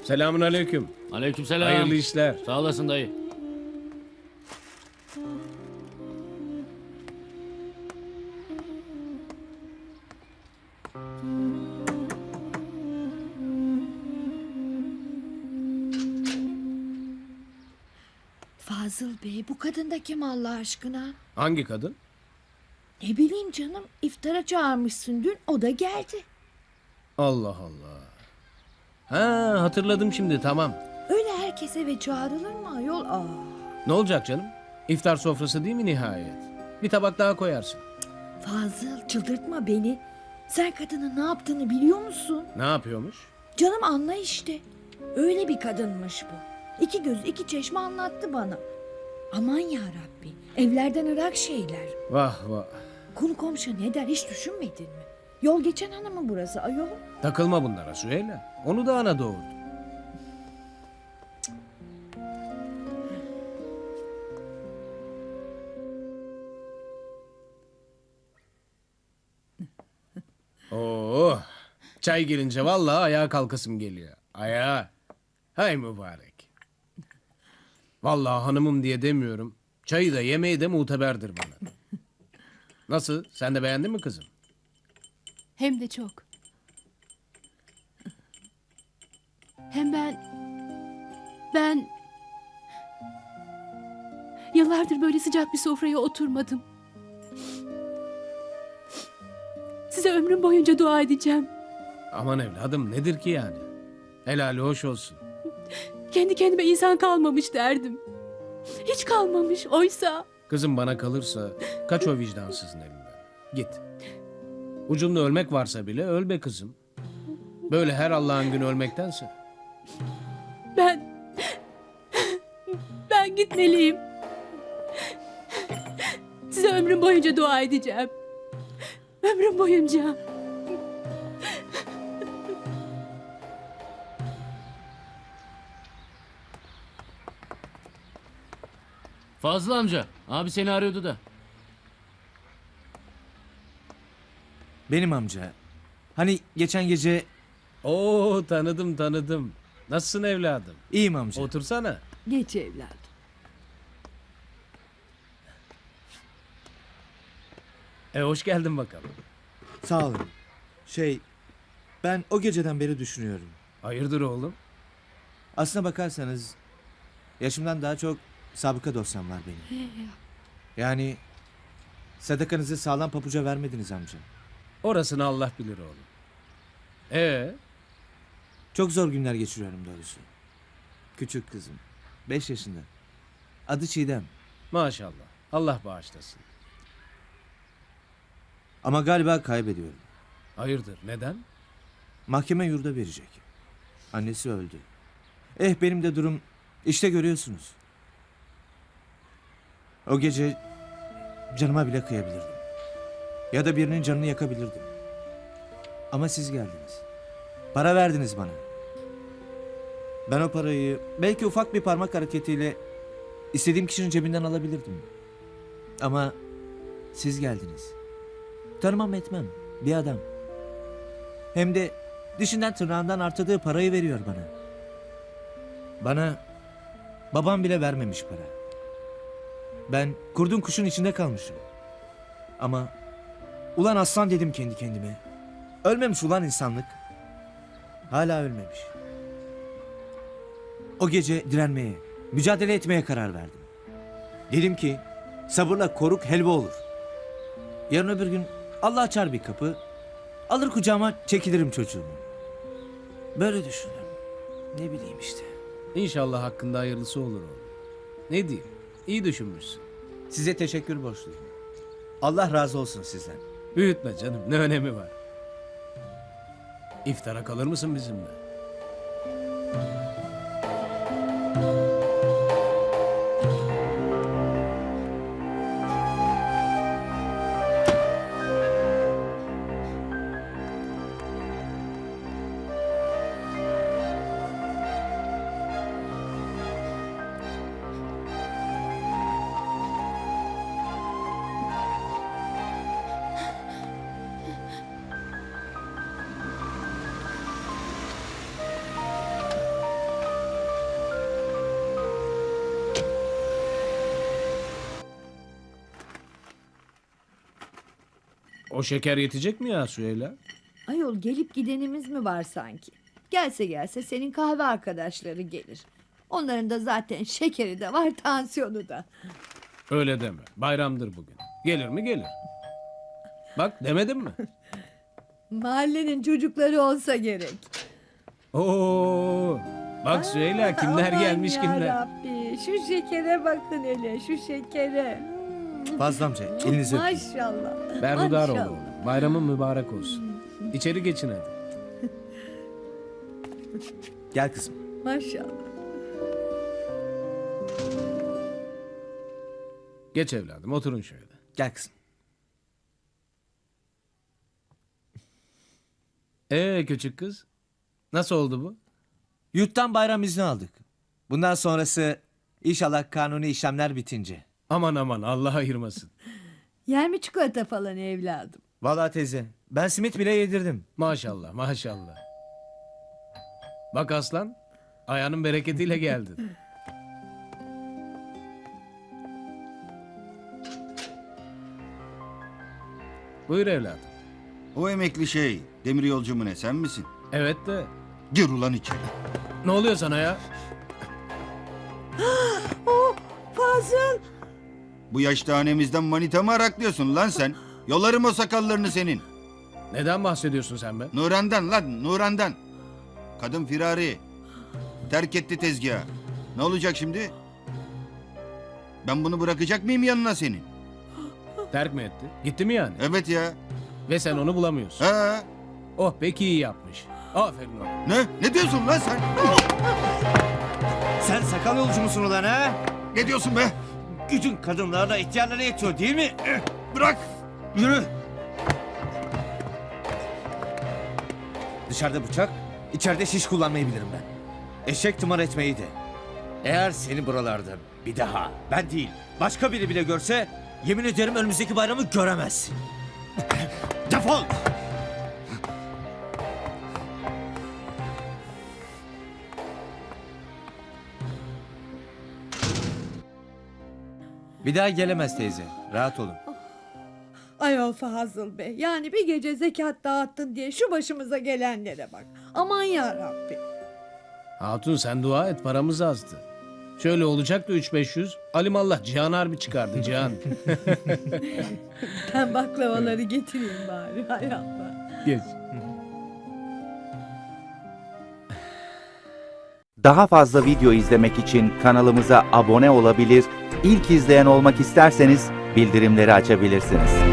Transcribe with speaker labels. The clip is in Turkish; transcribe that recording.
Speaker 1: Selamun aleyküm.
Speaker 2: Aleykümselam.
Speaker 1: Hayırlı işler.
Speaker 2: Sağ olasın dayı.
Speaker 3: Fazıl Bey, bu kadın da kim Allah aşkına?
Speaker 1: Hangi kadın?
Speaker 3: Ne bileyim canım, iftara çağırmışsın dün, o da geldi.
Speaker 1: Allah Allah. Ha, hatırladım şimdi, tamam.
Speaker 3: Öyle herkes eve çağrılır mı ayol?
Speaker 1: Ne olacak canım? İftar sofrası değil mi nihayet? Bir tabak daha koyarsın.
Speaker 3: Fazıl, çıldırtma beni. Sen kadının ne yaptığını biliyor musun?
Speaker 1: Ne yapıyormuş?
Speaker 3: Canım anla işte. Öyle bir kadınmış bu. İki göz iki çeşme anlattı bana. Aman ya Rabbi, evlerden ırak şeyler.
Speaker 1: Vah vah.
Speaker 3: Konu komşu ne der hiç düşünmedin mi? Yol geçen hanımı burası ayol.
Speaker 1: Takılma bunlara Süheyla. Onu da ana doğurdu. Oo, çay gelince vallahi ayağa kalkasım geliyor. Ayağa. Hay mübarek. Vallahi hanımım diye demiyorum. Çayı da yemeği de muteberdir bana. Nasıl? Sen de beğendin mi kızım?
Speaker 4: Hem de çok. Hem ben yıllardır böyle sıcak bir sofraya oturmadım. Size ömrüm boyunca dua edeceğim.
Speaker 1: Aman evladım nedir ki yani? Helali hoş olsun.
Speaker 4: Kendi kendime insan kalmamış derdim. Hiç kalmamış oysa.
Speaker 1: Kızım bana kalırsa kaç o vicdansızın elinden. Git. Ucunda ölmek varsa bile öl be kızım. Böyle her Allah'ın günü ölmektense.
Speaker 4: Ben gitmeliyim. Size ömrüm boyunca dua edeceğim. Ömrüm boyunca.
Speaker 2: Fazıl amca. Abi seni arıyordu da.
Speaker 5: Benim amca. Hani geçen gece
Speaker 1: Oo tanıdım. Nasılsın evladım?
Speaker 5: iyiyim amca.
Speaker 1: Otursana.
Speaker 3: Geç evladım.
Speaker 1: Hoş geldin bakalım.
Speaker 5: Sağ olun. Ben o geceden beri düşünüyorum.
Speaker 1: Hayırdır oğlum?
Speaker 5: Aslına bakarsanız yaşımdan daha çok sabıka dosyam var benim. Yani sadakanızı sağlam pabuca vermediniz amca.
Speaker 1: Orasını Allah bilir oğlum.
Speaker 5: Çok zor günler geçiriyorum doğrusu. Küçük kızım. 5 yaşında. Adı Çiğdem.
Speaker 1: Maşallah. Allah bağışlasın.
Speaker 5: Ama galiba kaybediyorum.
Speaker 1: Hayırdır neden?
Speaker 5: Mahkeme yurda verecek. Annesi öldü. Benim de durum işte görüyorsunuz. O gece canıma bile kıyabilirdim. Ya da birinin canını yakabilirdim. Ama siz geldiniz. Para verdiniz bana. Ben o parayı belki ufak bir parmak hareketiyle istediğim kişinin cebinden alabilirdim. Ama siz geldiniz. Tanımam etmem bir adam. Hem de dişinden tırnağından artırdığı parayı veriyor bana. Bana babam bile vermemiş para. Ben kurdun kuşun içinde kalmışım. Ama ulan aslan dedim kendi kendime. Ölmemiş ulan insanlık. Hala ölmemiş. O gece direnmeye, mücadele etmeye karar verdim. Dedim ki sabırla koruk helva olur. Yarın öbür gün Allah açar bir kapı. Alır kucağıma çekilirim çocuğumu. Böyle düşündüm. Ne bileyim işte.
Speaker 1: İnşallah hakkında hayırlısı olur oğlum. Ne diyeyim? İyi düşünmüşsün.
Speaker 5: Size teşekkür borçluyum. Allah razı olsun sizden.
Speaker 1: Büyütme canım. Ne önemi var? İftara kalır mısın bizimle? O şeker yetecek mi ya Süheyla?
Speaker 3: Ayol gelip gidenimiz mi var sanki? Gelse senin kahve arkadaşları gelir. Onların da zaten şekeri de var, tansiyonu da.
Speaker 1: Öyle deme. Bayramdır bugün. Gelir mi gelir. Bak demedim mi?
Speaker 3: Mahallenin çocukları olsa gerek.
Speaker 1: Oo. Bak Süheyla kimler
Speaker 3: Aman
Speaker 1: gelmiş kimler.
Speaker 3: yarabbi, şu şekere bakın hele, şu şekere.
Speaker 5: Fazla amca elinizi öpeyim.
Speaker 3: Maşallah.
Speaker 1: Berhudar ol
Speaker 3: maşallah.
Speaker 1: oğlum. Bayramın mübarek olsun. İçeri geçin hadi.
Speaker 5: Gel kızım.
Speaker 3: Maşallah.
Speaker 1: Geç evladım oturun şöyle.
Speaker 5: Gel kızım.
Speaker 1: Küçük kız. Nasıl oldu bu?
Speaker 5: Yurttan bayram izni aldık. Bundan sonrası inşallah kanuni işlemler bitince.
Speaker 1: Aman aman Allah ayırmasın.
Speaker 3: Yer mi çikolata falan evladım?
Speaker 5: Vallahi teyze ben simit bile yedirdim.
Speaker 1: Maşallah maşallah. Bak aslan ayağının bereketiyle geldin. Buyur evladım.
Speaker 6: O emekli şey, demir yolcu mu ne, sen misin?
Speaker 1: Evet de
Speaker 6: Gir ulan içeri.
Speaker 1: ne oluyor sana ya?
Speaker 3: Fazıl.
Speaker 6: Bu yaşta hanemizden manita mı araklıyorsun lan sen? Yolarım o sakallarını senin.
Speaker 1: Neden bahsediyorsun sen be?
Speaker 6: Nuran'dan lan, Nuran'dan. Kadın firari. Terk etti tezgahı. Ne olacak şimdi? Ben bunu bırakacak mıyım yanına senin?
Speaker 1: Terk mi etti? Gitti mi yani?
Speaker 6: Evet ya.
Speaker 1: Ve sen onu bulamıyorsun.
Speaker 6: Ha?
Speaker 1: Oh peki iyi yapmış. Aferin ona.
Speaker 6: Ne? Ne diyorsun lan sen?
Speaker 5: Sen sakal yolcu musun ulan ha?
Speaker 6: Ne diyorsun be?
Speaker 5: Gücün kadınlarla ihtiyarlara yetiyor değil mi?
Speaker 6: Bırak.
Speaker 5: Yürü. Dışarıda bıçak, içeride şiş kullanmayı bilirim ben. Eşek tımar etmeyi de. Eğer seni buralarda bir daha ben değil başka biri bile görse yemin ederim önümüzdeki bayramı göremezsin. Defol! Bir daha gelemez teyze. Rahat olun.
Speaker 3: Ayol Fazıl Bey, yani bir gece zekat dağıttın diye şu başımıza gelenlere bak. Aman yarabbi.
Speaker 1: Hatun sen dua et paramız azdı. Şöyle olacaktı 3-500. Alimallah Cihan Harbi çıkardı Cihan.
Speaker 3: Ben baklavaları getireyim bari, hay Allah.
Speaker 1: Geç.
Speaker 7: Daha fazla video izlemek için kanalımıza abone olabilir, ilk izleyen olmak isterseniz bildirimleri açabilirsiniz.